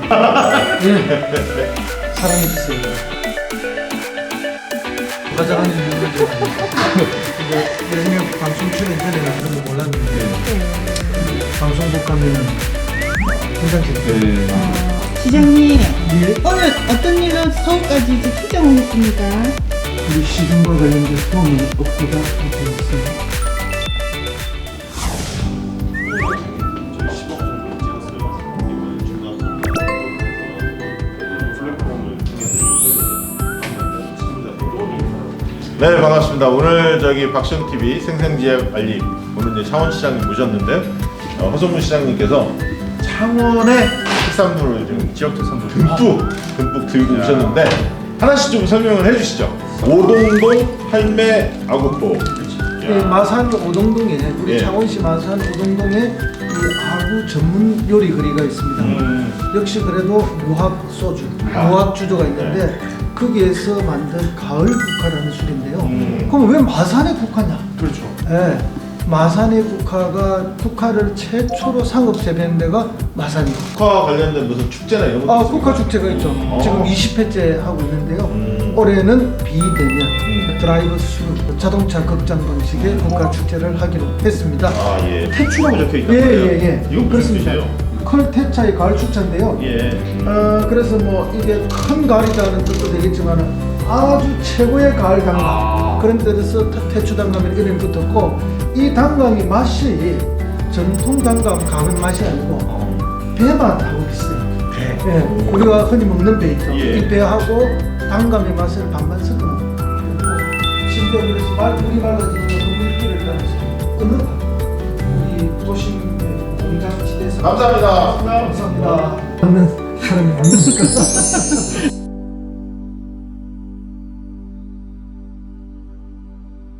네. 사랑해주세요. 가장한 이유는 예전에 방송 출연 전에는 그런 거 몰랐는데 방송국 가면은 굉장히 재밌어요. 시장님, 예? 오늘 어떤 일로 서울까지 이제 출장을 했습니까? 우리 시즌과 관련된 소문이 없고자 하고 있어요. 네, 반갑습니다. 오늘 저기 박시영TV 생생지역 알림, 오늘 이제 창원시장님 모셨는데 허성문 시장님께서 창원의 특산물을 좀 지역 특산물 듬뿍 들고 오셨는데 하나씩 좀 설명을 해주시죠. 오동동 할매 아구포. 네, 마산 오동동에 우리 예. 창원시 마산 오동동에 이 아구 전문 요리 거리가 있습니다. 역시 그래도 무학 소주, 무학 주조가 있는데 거기에서 만든 가을 국화라는 술인데요. 그럼 왜 마산에 국화냐? 그렇죠. 예, 마산의 국화를 최초로 상업 재배한 데가 마산이에요. 국화 관련된 무슨 축제나 이런 것도 국화 축제가 있죠. 지금 20회째 하고 있는데요. 올해는 비대면 드라이브 스루 자동차 극장 방식의 국화 축제를 하기로 했습니다. 아, 예. 태추라고 적혀 있단 말이에요. 예. 이건 무슨 뜻이에요? 컬테차의 가을 축제인데요. 예. 그래서 뭐 이게 큰 가을이라는 뜻도 되겠지만 아주 최고의 가을 단감 그런 뜻에서 태추 단감이라는 이름이 붙었고 이 단감이 맛이 전통 단감 강은 맛이 아니고 배맛하고 비슷해요. 배. 예, 우리가 흔히 먹는 배 있죠. 예. 이 배하고 단감의 맛을 반반 섞어 심지어 그래서 물이 맑아지면 그 물기를 따라서 끊어가 우리 도심 공장지대에서 감사합니다. 감사합니다. 먹는 사람이 많으니까